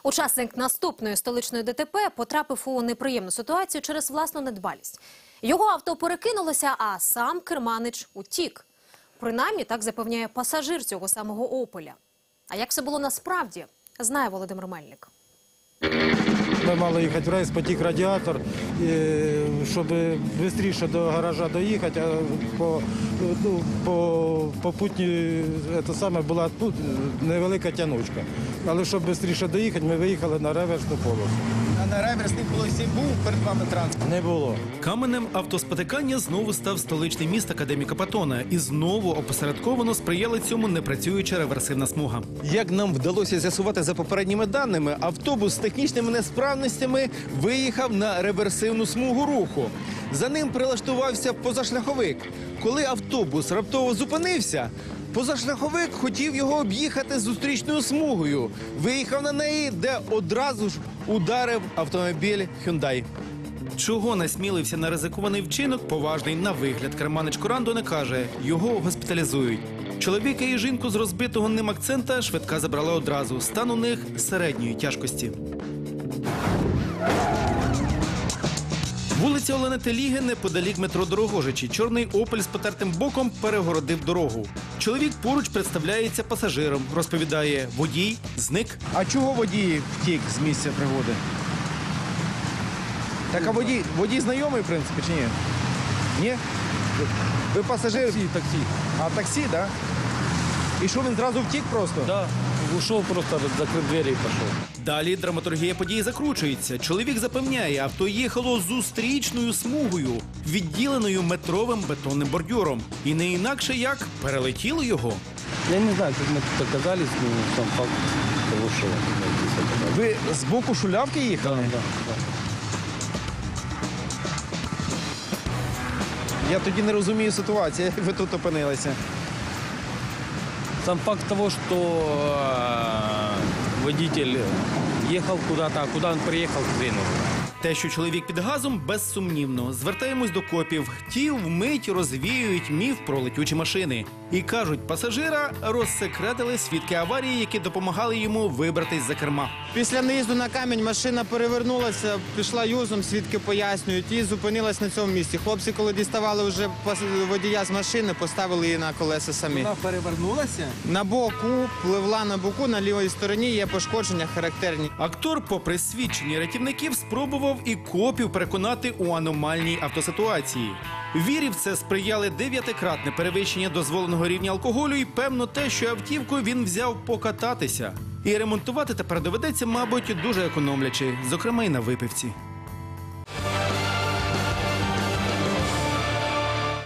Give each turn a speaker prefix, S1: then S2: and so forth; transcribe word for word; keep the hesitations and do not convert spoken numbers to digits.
S1: Учасник наступної столичної ДТП потрапив у неприємну ситуацію через власну недбалість. Його авто перекинулося, а сам керманич утік. Принаймні, так запевняє пасажир цього самого «Опеля». А як все було насправді, знає Володимир Мельник.
S2: Ми мали їхати в рейс, потік радіатор, щоб швидше до гаража доїхати, а по, ну, по попутній це саме була тут невелика тянучка. Але щоб швидше доїхати, ми виїхали на реверсну полосу.
S3: А на реверсній полосі був перед вами транспорт?
S2: Не було.
S4: Каменем автоспотикання знову став столичний міст Академіка Патона. І знову опосередковано сприяла цьому непрацююча реверсивна смуга.
S3: Як нам вдалося з'ясувати за попередніми даними, автобус з технічними несправностями виїхав на реверсивну смугу руху. За ним прилаштувався позашляховик. Коли автобус раптово зупинився, позашляховик хотів його об'їхати зустрічною смугою. Виїхав на неї, де одразу ж ударив автомобіль Hyundai.
S4: Чого насмілився на ризикований вчинок, поважний на вигляд керманич Корандо не каже. Його госпіталізують. Чоловіка і жінку з розбитого ним акцента швидка забрала одразу. Стан у них середньої тяжкості. Вулиця Олени Теліги неподалік метро Дорогожичі. Чорний «Опель» з потертим боком перегородив дорогу. Чоловік поруч представляється пасажиром. Розповідає, водій зник.
S3: А чого водій втік з місця пригоди? Так, а водій, водій знайомий, в принципі, чи ні? Ні? Ви пасажир?
S5: Такси, такси.
S3: А таксі, так? Да? І що, він зразу втік просто?
S5: Да, ушел просто, закрыл двери и пошел.
S4: Далі драматургія події закручується. Чоловік запевняє, авто їхало зустрічною смугою, відділеною метровим бетонним бордюром. І не інакше як перелетіло його.
S5: Я не знаю, как мы тут оказались, но сам факт того, что здесь оказались.
S3: Ви з боку шулявки
S5: Да,
S3: їхали?
S5: да, да.
S3: Я тоді не розумію ситуацію, як ви тут опинилися.
S5: Сам факт того, что э, водитель ехал куда-то, а куда он приехал, хрен его знает.
S4: Те, що чоловік під газом, безсумнівно. Звертаємось до копів. Ті вмить розвіюють міф про летючі машини. І кажуть, пасажира розсекретили свідки аварії, які допомагали йому вибратись за керма.
S6: Після наїзду на камінь машина перевернулася, пішла юзом, свідки пояснюють, і зупинилась на цьому місці. Хлопці, коли діставали вже водія з машини, поставили її на колеса самі.
S3: Вона перевернулася?
S6: На боку, пливла на боку, на лівій стороні є пошкодження характерні.
S4: Актор, попри свідчення рятівників, спробував і копів переконати у аномальній автоситуації. Вірі в це сприяли дев'ятикратне перевищення дозволеного рівня алкоголю і, певно, те, що автівку він взяв покататися. І ремонтувати тепер доведеться, мабуть, дуже економлячи, зокрема й на випивці.